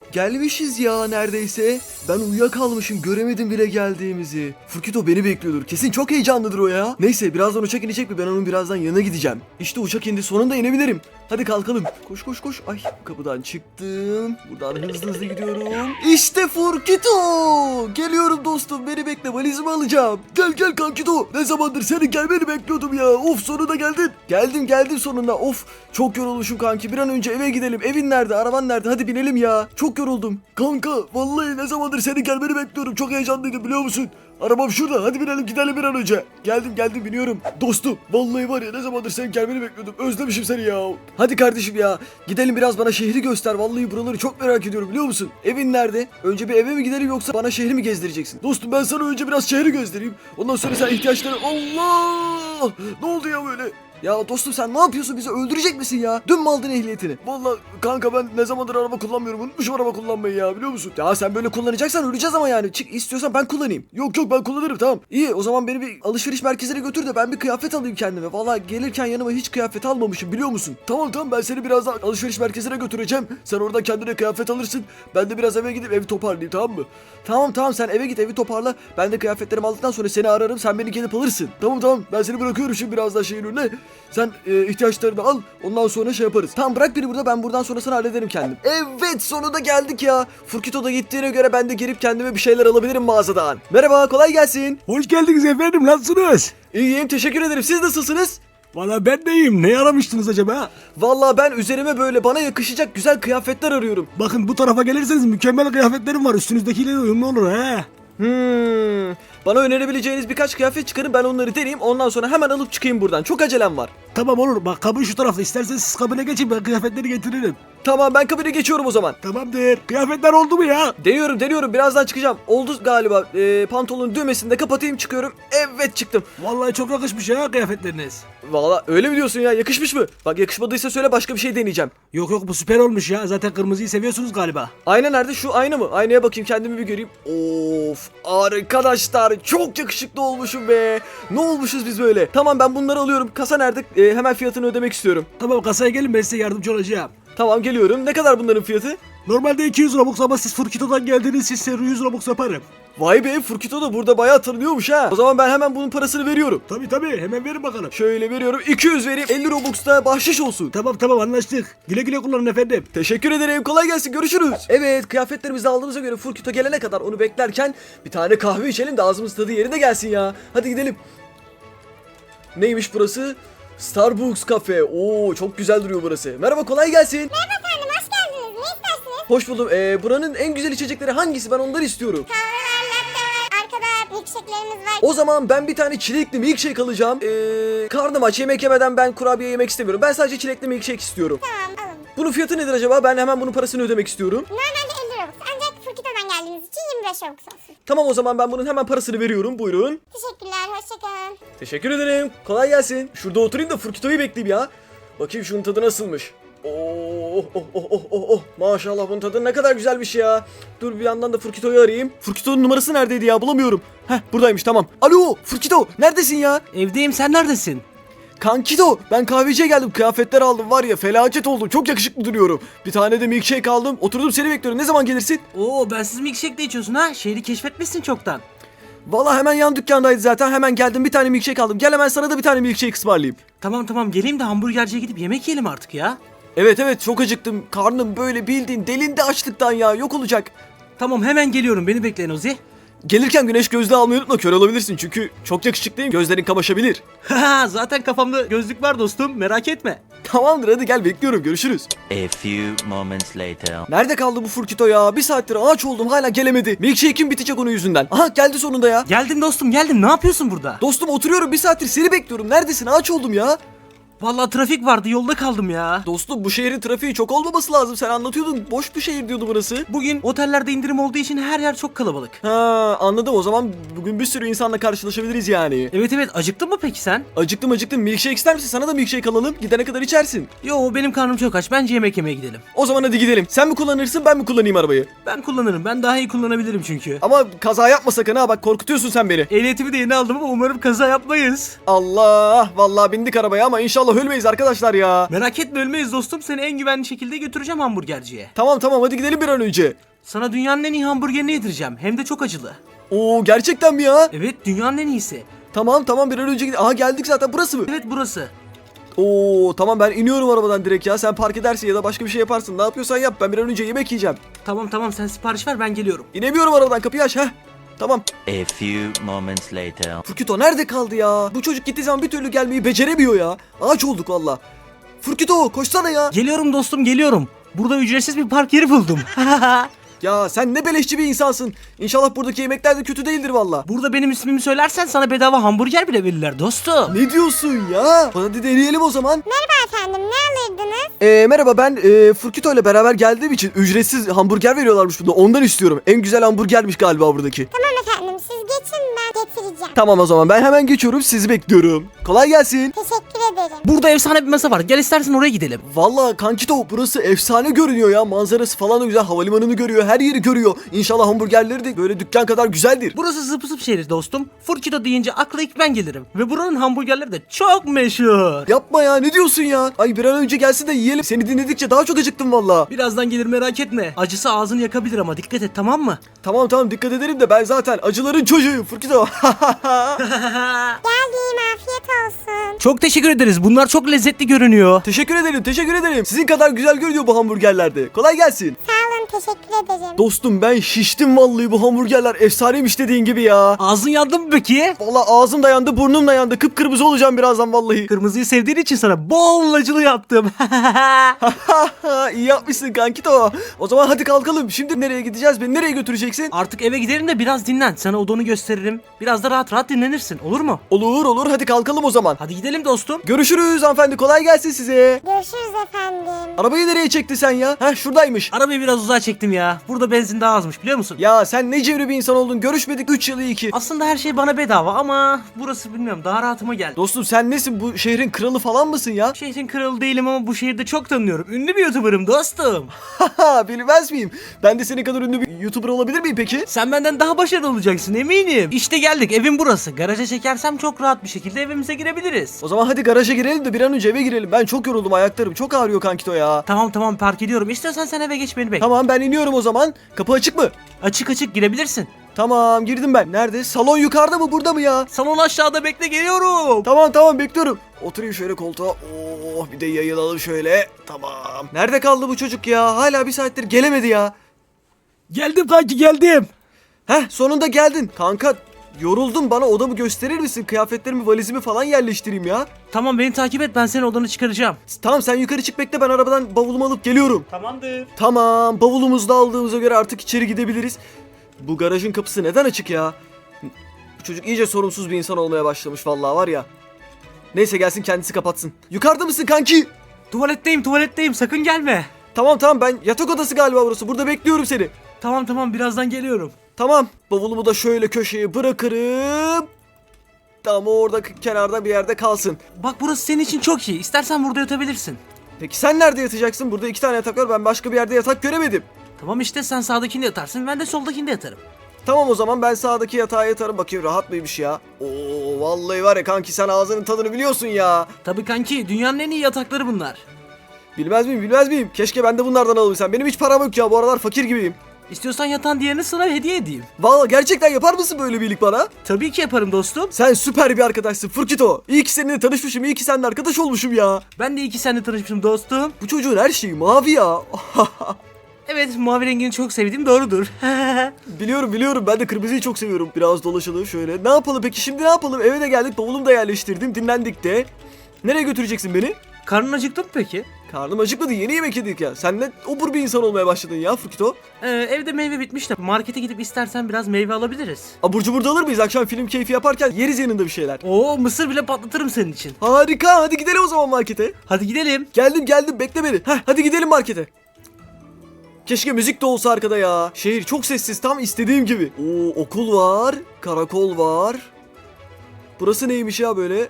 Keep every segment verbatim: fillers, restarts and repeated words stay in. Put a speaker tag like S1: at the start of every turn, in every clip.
S1: Gelmişiz ya neredeyse. Ben uyuyakalmışım, göremedim bile geldiğimizi. Furkito beni bekliyordur. Kesin çok heyecanlıdır o ya. Neyse birazdan uçak inecek mi? Ben onun birazdan yanına gideceğim. İşte uçak indi, sonunda inebilirim. Hadi kalkalım. Koş koş koş. Ay, kapıdan çıktım. Buradan hızlı hızlı gidiyorum. İşte Furkito. Geliyorum dostum, beni bekle, valizimi alacağım. Gel gel Kankito. Ne zamandır senin gelmeni bekliyordum ya. Of, sonunda geldin. Geldim geldim sonunda. Of, çok yorulmuşum kanki. Bir an önce eve gidelim. Evin nerede? Araban nerede? Hadi binelim ya. Çok yoruldum. Kanka vallahi ne zamandır senin gelmeni bekliyorum. Çok heyecanlıydım biliyor musun? Arabam şurada. Hadi binelim gidelim bir an önce. Geldim geldim biniyorum. Dostum vallahi var ya, ne zamandır senin gelmeni bekliyordum. Özlemişim seni ya. Hadi kardeşim ya. Gidelim, biraz bana şehri göster. Vallahi buraları çok merak ediyorum biliyor musun? Evin nerede? Önce bir eve mi gidelim yoksa bana şehri mi gezdireceksin? Dostum ben sana önce biraz şehri göstereyim. Ondan sonra sen ihtiyaçları... Allah! Ne oldu ya böyle? Ya dostum sen ne yapıyorsun, bizi öldürecek misin ya? Dün mü aldın ehliyetini? Vallahi kanka ben ne zamandır araba kullanmıyorum, unutmuşum araba kullanmayı ya, biliyor musun? Ya sen böyle kullanacaksan öleceğiz ama yani. Çık, istiyorsan ben kullanayım. Yok yok ben kullanırım, tamam. İyi, o zaman beni bir alışveriş merkezine götür de ben bir kıyafet alayım kendime. Vallahi gelirken yanıma hiç kıyafet almamışım biliyor musun? Tamam tamam, ben seni birazdan alışveriş merkezine götüreceğim. Sen oradan kendine kıyafet alırsın. Ben de biraz eve gidip evi toparlayayım, tamam mı? Tamam tamam, sen eve git, evi toparla. Ben de kıyafetlerimi aldıktan sonra seni ararım, sen beni gelip alırsın. Tamam tamam, ben seni bırakıyorum şimdi birazdan şeyin önüne. Sen e, ihtiyaçlarını al, ondan sonra şey yaparız. Tamam bırak beni burada, ben buradan sonrasını hallederim kendim. Evet, sonunda geldik ya. Furkito da gittiğine göre ben de gelip kendime bir şeyler alabilirim mağazadan. Merhaba, kolay gelsin.
S2: Hoş geldiniz efendim, nasılsınız?
S1: İyiyim, teşekkür ederim. Siz nasılsınız?
S2: Valla ben de iyiyim. Ne aramıştınız acaba?
S1: Vallahi ben üzerime böyle bana yakışacak güzel kıyafetler arıyorum.
S2: Bakın bu tarafa gelirseniz mükemmel kıyafetlerim var. Üstünüzdekiyle uyumlu olur he.
S1: Hmm. Bana önerebileceğiniz birkaç kıyafet çıkarın, ben onları deneyeyim, ondan sonra hemen alıp çıkayım buradan. Çok acelem var.
S2: Tamam olur. Bak kabin şu tarafta. İsterseniz siz kabine geçin, ben kıyafetleri getiririm.
S1: Tamam, ben kabine geçiyorum o zaman.
S2: Tamamdır. Kıyafetler oldu mu ya?
S1: Deniyorum deniyorum, birazdan çıkacağım. Oldu galiba. Ee, pantolonun düğmesini de kapatayım, çıkıyorum. Evet, çıktım.
S2: Vallahi çok yakışmış ya kıyafetleriniz.
S1: Vallahi öyle mi diyorsun ya, yakışmış mı? Bak yakışmadıysa söyle, başka bir şey deneyeceğim.
S2: Yok yok, bu süper olmuş ya. Zaten kırmızıyı seviyorsunuz galiba.
S1: Ayna nerede? Şu ayna mı? Aynaya bakayım, kendimi bir göreyim. Of arkadaşlar, çok yakışıklı olmuşum be. Ne olmuşuz biz böyle? Tamam, ben bunları alıyorum. Kasa nerede? Ee, hemen fiyatını ödemek istiyorum.
S2: Tamam, kasaya gelin, ben size yardımcı olacağım.
S1: Tamam, geliyorum. Ne kadar bunların fiyatı?
S2: Normalde iki yüz Robux ama siz Furkito'dan geldiniz, siz size yüz Robux yaparım.
S1: Vay be, Furkito da burada bayağı tanınıyormuş ha. O zaman ben hemen bunun parasını veriyorum.
S2: Tabi tabi, hemen verin bakalım.
S1: Şöyle veriyorum, iki yüz vereyim, elli Robux da bahşiş olsun.
S2: Tamam tamam, anlaştık. Güle güle kullanın efendim.
S1: Teşekkür ederim, kolay gelsin, görüşürüz. Evet, kıyafetlerimizi aldığımıza göre Furkito gelene kadar onu beklerken bir tane kahve içelim de ağzımız tadı yerine gelsin ya. Hadi gidelim. Neymiş burası? Starbucks kafe. Oo, çok güzel duruyor burası. Merhaba, kolay gelsin.
S3: Merhaba efendim, hoş geldiniz. Ne istersiniz?
S1: Hoş buldum. Ee, buranın en güzel içecekleri hangisi? Ben onları istiyorum.
S3: Kahve var, latte var, arkada milkshake'lerimiz var.
S1: O zaman ben bir tane çilekli milkshake alacağım. Ee, karnım aç, yemek yemeden ben kurabiye yemek istemiyorum. Ben sadece çilekli milkshake istiyorum.
S3: Tamam, alın.
S1: Bunun fiyatı nedir acaba? Ben hemen bunun parasını ödemek istiyorum.
S3: Normalde elli Robux ancak Furkito'dan geldiğiniz için yirmi beş Robux olsun.
S1: Tamam, o zaman ben bunun hemen parasını veriyorum. Buyurun.
S3: Teşekkürler, hoşçakalın.
S1: Teşekkür ederim. Kolay gelsin. Şurada oturayım da Furkito'yu bekleyeyim ya. Bakayım şunun tadı nasılmış. Oh oh oh oh oh oh. Maşallah, bunun tadı ne kadar güzelmiş ya. Dur bir yandan da Furkito'yu arayayım. Furkito'nun numarası neredeydi ya, bulamıyorum. Heh, buradaymış, tamam. Alo Furkito, neredesin ya?
S2: Evdeyim, sen neredesin?
S1: Kankito, ben kahveciye geldim, kıyafetler aldım, var ya felaket oldum, çok yakışıklı duruyorum. Bir tane de milkshake aldım, oturdum seni bekliyorum, ne zaman gelirsin?
S4: Oo, bensiz milkshake de içiyorsun ha? Şehri keşfetmişsin çoktan.
S1: Vallahi hemen yan dükkandaydı zaten, hemen geldim, bir tane milkshake aldım. Gel hemen sana da bir tane milkshake ısmarlayayım.
S4: Tamam tamam, geleyim de hamburgerciye gidip yemek yiyelim artık ya.
S1: Evet evet, çok acıktım, karnım böyle bildiğin delindi açlıktan ya, yok olacak.
S4: Tamam, hemen geliyorum, beni bekleyin Ozi.
S1: Gelirken güneş gözlüğü almayı unutma, kör olabilirsin çünkü çok yakışıklıyım, gözlerin kamaşabilir.
S4: Haha, zaten kafamda gözlük var dostum, merak etme.
S1: Tamamdır, hadi gel, bekliyorum, görüşürüz.
S5: A few moments later.
S1: Nerede kaldı bu Furkito ya? Bir saattir ağaç oldum, hala gelemedi. Milkshake'im bitecek onun yüzünden. Aha, geldi sonunda ya.
S4: Geldim dostum, geldim, ne yapıyorsun burada?
S1: Dostum oturuyorum, bir saattir seni bekliyorum. Neredesin? Ağaç oldum ya.
S4: Vallahi trafik vardı, yolda kaldım ya.
S1: Dostum bu şehrin trafiği çok olmaması lazım. Sen anlatıyordun. Boş bir şehir diyordu burası.
S4: Bugün otellerde indirim olduğu için her yer çok kalabalık.
S1: Ha, anladım. O zaman bugün bir sürü insanla karşılaşabiliriz yani.
S4: Evet evet, acıktın mı peki sen?
S1: Acıktım acıktım. Milkshake ister misin? Sana da milkshake alalım. Gidene kadar içersin.
S4: Yo, benim karnım çok aç, bence yemek yemeye gidelim.
S1: O zaman hadi gidelim. Sen mi kullanırsın, ben mi kullanayım arabayı?
S4: Ben kullanırım, ben daha iyi kullanabilirim çünkü.
S1: Ama kaza yapma sakın ha. Bak korkutuyorsun sen beni.
S4: Ehliyetimi de yeni aldım ama umarım kaza yapmayız.
S1: Allah. Vallahi bindik arabaya ama inşallah İnşallah ölmeyiz arkadaşlar ya.
S4: Merak etme ölmeyiz dostum. Seni en güvenli şekilde götüreceğim hamburgerciye.
S1: Tamam tamam hadi gidelim bir an önce.
S4: Sana dünyanın en iyi hamburgerini yedireceğim. Hem de çok acılı.
S1: Oo gerçekten mi ya?
S4: Evet dünyanın en iyisi.
S1: Tamam tamam bir an önce gidelim. Aha geldik zaten, burası mı?
S4: Evet burası.
S1: Oo tamam ben iniyorum arabadan direkt ya. Sen park edersin ya da başka bir şey yaparsın. Ne yapıyorsan yap, ben bir an önce yemek yiyeceğim.
S4: Tamam tamam sen sipariş ver ben geliyorum.
S1: İnemiyorum arabadan, kapıyı aç. Heh. Tamam.
S5: A few moments later.
S1: Furkito nerede kaldı ya? Bu çocuk gittiği zaman bir türlü gelmeyi beceremiyor ya. Ağaç olduk valla. Furkito koşsana ya.
S4: Geliyorum dostum geliyorum. Burada ücretsiz bir park yeri buldum.
S1: Ya sen ne beleşçi bir insansın. İnşallah buradaki yemekler de kötü değildir valla.
S4: Burada benim ismimi söylersen sana bedava hamburger bile verirler dostum.
S1: Ne diyorsun ya? Hadi deneyelim o zaman.
S3: Merhaba efendim, ne alırdınız?
S1: Ee, merhaba ben e, Furkito ile beraber geldiğim için ücretsiz hamburger veriyorlarmış burada. Ondan istiyorum. En güzel hamburgermiş galiba buradaki.
S3: Tamam efendim, siz geçin, ben getireceğim.
S1: Tamam o zaman ben hemen geçiyorum, sizi bekliyorum. Kolay gelsin.
S3: Teşekkür ederim.
S4: Burada efsane bir masa var. Gel istersen oraya gidelim.
S1: Valla kankito burası efsane görünüyor ya. Manzarası falan da güzel. Havalimanını görüyor. Her yeri görüyor. İnşallah hamburgerleri de böyle dükkan kadar güzeldir.
S4: Burası zıp zıp şehir dostum. Furkito deyince akla ilk ben gelirim. Ve buranın hamburgerleri de çok meşhur.
S1: Yapma ya, ne diyorsun ya? Ay bir an önce gelsin de yiyelim. Seni dinledikçe daha çok acıktım valla.
S4: Birazdan gelir merak etme. Acısı ağzını yakabilir ama dikkat et tamam mı?
S1: Tamam tamam dikkat ederim de ben zaten acıların çocuğuyum Furkito.
S3: Geldim, afiyet olsun.
S4: Çok teşekkür ederiz. Bunlar çok lezzetli görünüyor.
S1: Teşekkür ederim teşekkür ederim. Sizin kadar güzel görünüyor bu hamburgerlerde. Kolay gelsin.
S3: Sağ olun, teşekkür ederim.
S1: Dostum ben şiştim vallahi, bu hamburgerler efsaneymiş dediğin gibi ya.
S4: Ağzın yandı mı peki?
S1: Valla ağzım da yandı, burnum da yandı. Kıpkırmızı olacağım birazdan vallahi.
S4: Kırmızıyı sevdiğin için sana bol acılı yaptım.
S1: İyi yapmışsın kankito. O zaman hadi kalkalım. Şimdi nereye gideceğiz? Beni nereye götüreceksin?
S4: Artık eve gidelim de biraz dinlen. Sana odanı gösteririm. Biraz da rahat rahat dinlenirsin. Olur mu?
S1: Olur olur hadi kalkalım o zaman.
S4: Hadi gidelim dostum.
S1: Görüşürüz hanımefendi, kolay gelsin size.
S3: Görüşürüz efendim.
S1: Arabayı nereye çekti sen ya? Heh şuradaymış.
S4: Arabayı biraz uzağa çektim ya. Burada benzin daha azmış biliyor musun?
S1: Ya sen ne cevri bir insan oldun. Görüşmedik üç yılı iki.
S4: Aslında her şey bana bedava ama burası bilmiyorum daha rahatıma geldi.
S1: Dostum sen nesin? Bu şehrin kralı falan mısın ya?
S4: Şehrin kralı değilim ama bu şehirde çok tanınıyorum. Ünlü bir YouTuber'ım dostum.
S1: Haha bilmez miyim? Ben de senin kadar ünlü bir YouTuber olabilir miyim peki?
S4: Sen benden daha başarılı olacaksın eminim. İşte geldik evim burası. Garaja çekersem çok rahat bir şekilde evimize girebiliriz.
S1: O zaman hadi garaja girelim de bir an önce eve girelim. Ben çok yoruldum, ayaklarım çok ağrıyor kankito ya.
S4: Tamam tamam park ediyorum. İstiyorsan sen eve geç beni bekle.
S1: Tamam ben iniyorum o zaman. Kapı açık mı?
S4: Açık açık girebilirsin.
S1: Tamam girdim ben. Nerede? Salon yukarıda mı burada mı ya?
S4: Salon aşağıda bekle geliyorum.
S1: Tamam tamam bekliyorum. Oturayım şöyle koltuğa. Oh bir de yayılalım şöyle. Tamam. Nerede kaldı bu çocuk ya? Hala bir saattir gelemedi ya.
S2: Geldim kanki geldim.
S1: Heh sonunda geldin. Kanka yoruldum, bana odamı gösterir misin? Kıyafetlerimi, valizimi falan yerleştireyim ya.
S4: Tamam beni takip et ben senin odanı çıkaracağım.
S1: Tamam sen yukarı çık bekle, ben arabadan bavulumu alıp geliyorum.
S4: Tamamdır.
S1: Tamam bavulumuzu da aldığımıza göre artık içeri gidebiliriz. Bu garajın kapısı neden açık ya? Bu çocuk iyice sorumsuz bir insan olmaya başlamış vallahi var ya. Neyse gelsin kendisi kapatsın. Yukarıda mısın kanki?
S4: Tuvaletteyim tuvaletteyim sakın gelme.
S1: Tamam tamam ben yatak odası galiba burası. Burada bekliyorum seni.
S4: Tamam tamam birazdan geliyorum.
S1: Tamam bavulumu da şöyle köşeye bırakırım. Tamam o orada k- kenarda bir yerde kalsın.
S4: Bak burası senin için çok iyi. İstersen burada yatabilirsin.
S1: Peki sen nerede yatacaksın? Burada iki tane yatak var, ben başka bir yerde yatak göremedim.
S4: Tamam işte sen sağdakinde yatarsın ben de soldakinde yatarım.
S1: Tamam o zaman ben sağdaki yatağa yatarım, bakayım rahat mıymış ya. Oo vallahi var ya kanki, sen ağzının tadını biliyorsun ya.
S4: Tabii kanki dünyanın en iyi yatakları bunlar.
S1: Bilmez miyim bilmez miyim? Keşke ben de bunlardan alabilsem. Benim hiç param yok ya, bu aralar fakir gibiyim.
S4: İstiyorsan yatan diğerini sana hediye edeyim.
S1: Vallahi gerçekten yapar mısın böyle bir iyilik bana?
S4: Tabii ki yaparım dostum.
S1: Sen süper bir arkadaşsın Furkito. İyi ki seninle tanışmışım, iyi ki seninle arkadaş olmuşum ya.
S4: Ben de iyi ki seninle tanışmışım dostum.
S1: Bu çocuğun her şeyi mavi ya.
S4: Evet mavi rengini çok sevdiğim doğrudur.
S1: Biliyorum biliyorum, ben de kırmızıyı çok seviyorum. Biraz dolaşalım şöyle. Ne yapalım peki şimdi, ne yapalım? Eve de geldik, bavulumu da yerleştirdim, dinlendik de. Nereye götüreceksin beni?
S4: Karnın acıktı mı peki?
S1: Karnım acıkmadı, yeni yemek yedik ya. Sen ne obur bir insan olmaya başladın ya Furkito.
S4: Ee, evde meyve bitmiş de markete gidip istersen biraz meyve alabiliriz.
S1: Abur cubur da alır mıyız? Akşam film keyfi yaparken yeriz yanında bir şeyler.
S4: Oo mısır bile patlatırım senin için.
S1: Harika, hadi gidelim o zaman markete.
S4: Hadi gidelim.
S1: Geldim geldim, bekle beni. Heh, hadi gidelim markete. Keşke müzik de olsa arkada ya. Şehir çok sessiz, tam istediğim gibi. Oo okul var, karakol var. Burası neymiş ya böyle?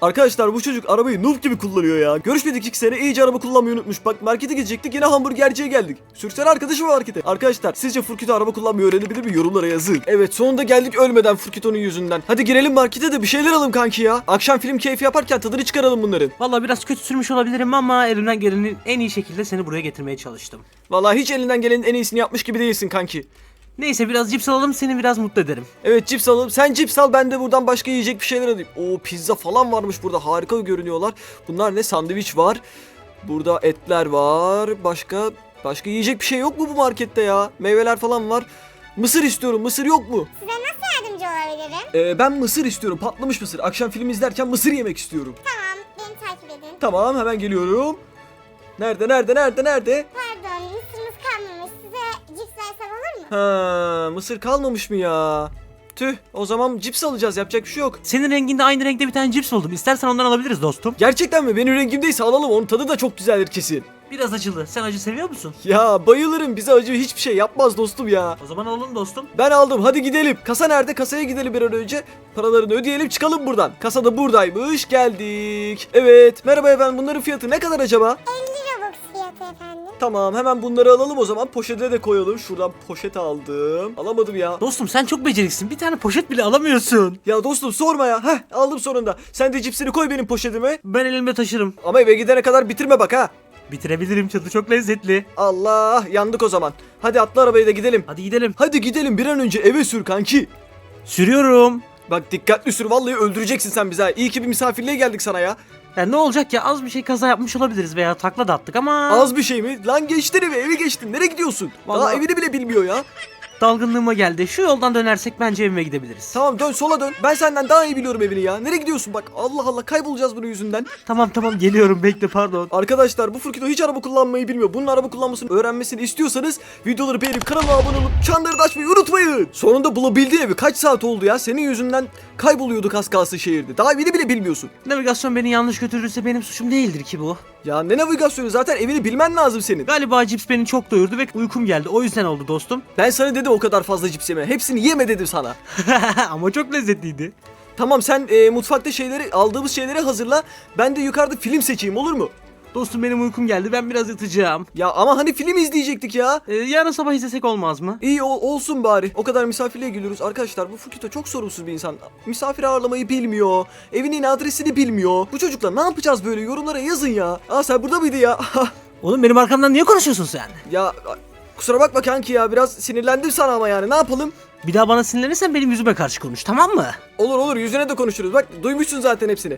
S1: Arkadaşlar bu çocuk arabayı noob gibi kullanıyor ya. Görüşmedik iki sene iyice araba kullanmayı unutmuş. Bak markete gidecektik yine hamburgerciye geldik. Sürsene arkadaşım markete. Arkadaşlar sizce Furkito araba kullanmayı öğrenebilir mi? Yorumlara yazın. Evet sonunda geldik ölmeden Furkito'nun yüzünden. Hadi girelim markete de bir şeyler alalım kanki ya. Akşam film keyfi yaparken tadını çıkaralım bunların.
S4: Vallahi biraz kötü sürmüş olabilirim ama elimden gelenin en iyi şekilde seni buraya getirmeye çalıştım.
S1: Vallahi hiç elinden gelenin en iyisini yapmış gibi değilsin kanki.
S4: Neyse biraz cips alalım, seni biraz mutlu ederim.
S1: Evet cips alalım. Sen cips al ben de buradan başka yiyecek bir şeyler alayım. Oo pizza falan varmış burada. Harika görünüyorlar. Bunlar ne? Sandviç var. Burada etler var. Başka başka yiyecek bir şey yok mu bu markette ya? Meyveler falan var. Mısır istiyorum. Mısır yok mu?
S3: Size nasıl yardımcı olabilirim?
S1: Ee, ben mısır istiyorum. Patlamış mısır. Akşam film izlerken mısır yemek istiyorum.
S3: Tamam, beni takip edin.
S1: Tamam hemen geliyorum. Nerede nerede nerede nerede?
S3: Pardon, mısırımız kalmamış. Size cips versem olur mu?
S1: Ha, mısır kalmamış mı ya? Tüh o zaman cips alacağız. Yapacak bir şey yok.
S4: Senin renginde aynı renkte bir tane cips buldum. İstersen ondan alabiliriz dostum.
S1: Gerçekten mi? Benim rengimdeyse alalım. Onun tadı da çok güzeldir kesin.
S4: Biraz acılı. Sen acı seviyor musun?
S1: Ya bayılırım. Bize acı hiçbir şey yapmaz dostum ya.
S4: O zaman alalım dostum.
S1: Ben aldım. Hadi gidelim. Kasa nerede? Kasaya gidelim bir an önce. Paralarını ödeyelim çıkalım buradan. Kasa da buradaymış. Geldik. Evet. Merhaba efendim. Bunların fiyatı ne kadar acaba?
S3: elli Robux fiyatı efendim.
S1: Tamam. Hemen bunları alalım o zaman. Poşete de koyalım. Şuradan poşet aldım. Alamadım ya.
S4: Dostum sen çok beceriksin. Bir tane poşet bile alamıyorsun.
S1: Ya dostum sorma ya. Heh aldım sonunda. Sen de cipsini koy benim poşetime.
S4: Ben elimde taşırım.
S1: Ama eve gidene kadar bitirme bak ha.
S4: Bitirebilirim, tadı çok lezzetli.
S1: Allah yandık o zaman. Hadi atla arabaya da gidelim.
S4: Hadi gidelim.
S1: Hadi gidelim bir an önce eve sür kanki.
S4: Sürüyorum.
S1: Bak dikkatli sür vallahi öldüreceksin sen bizi ha. İyi ki bir misafirliğe geldik sana ya.
S4: Ya ne olacak ya, az bir şey kaza yapmış olabiliriz veya takla da attık ama...
S1: Az bir şey mi? Lan geçtin evi evi geçtin. Nereye gidiyorsun? Daha
S4: Vallahi-
S1: evini bile bilmiyor ya.
S4: Dalgınlığıma geldi. Şu yoldan dönersek bence evime gidebiliriz.
S1: Tamam dön sola dön. Ben senden daha iyi biliyorum evini ya. Nereye gidiyorsun bak. Allah Allah kaybolacağız bunun yüzünden.
S4: Tamam tamam geliyorum, bekle, pardon.
S1: Arkadaşlar bu Furkito hiç araba kullanmayı bilmiyor. Bunun araba kullanmasını öğrenmesini istiyorsanız videoları beğenip kanala abone olup çanları da açmayı unutmayın. Sonunda bulabildin evi. Kaç saat oldu ya? Senin yüzünden kayboluyorduk az kalsın şehirde. Daha evini bile bilmiyorsun.
S4: Navigasyon beni yanlış götürürse benim suçum değildir ki bu.
S1: Ya ne navigasyonu zaten evini bilmen lazım senin.
S4: Galiba cips beni çok doyurdu ve uykum geldi. O yüzden oldu dostum.
S1: Ben sana dedim o kadar fazla cips yeme. Hepsini yeme dedim sana.
S4: Ama çok lezzetliydi.
S1: Tamam sen e, mutfakta şeyleri aldığımız şeyleri hazırla. Ben de yukarıda film seçeyim olur mu?
S4: Dostum benim uykum geldi. Ben biraz yatacağım.
S1: Ya ama hani film izleyecektik ya.
S4: Ee, yarın sabah izlesek olmaz mı?
S1: İyi ol- olsun bari. O kadar misafirliğe geliyoruz. Arkadaşlar bu Furkito çok sorumsuz bir insan. Misafir ağırlamayı bilmiyor. Evinin adresini bilmiyor. Bu çocukla ne yapacağız böyle? Yorumlara yazın ya. Aa sen burada mıydın ya?
S4: Oğlum benim arkamdan niye konuşuyorsun sen?
S1: Ya kusura bakma kanki ya. Biraz sinirlendim sana ama yani. Ne yapalım?
S4: Bir daha bana sinirlenirsen benim yüzüme karşı konuş, tamam mı?
S1: Olur olur yüzüne de konuşuruz. Bak duymuşsun zaten hepsini.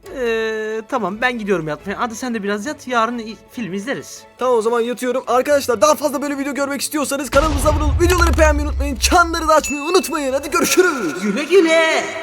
S4: Ee, tamam ben gidiyorum yatmaya. Hadi sen de biraz yat. Yarın i- film izleriz.
S1: Tamam o zaman yatıyorum. Arkadaşlar daha fazla böyle video görmek istiyorsanız kanalımıza abone olup videoları beğenmeyi unutmayın. Çanları da açmayı unutmayın. Hadi görüşürüz.
S4: Güle güle.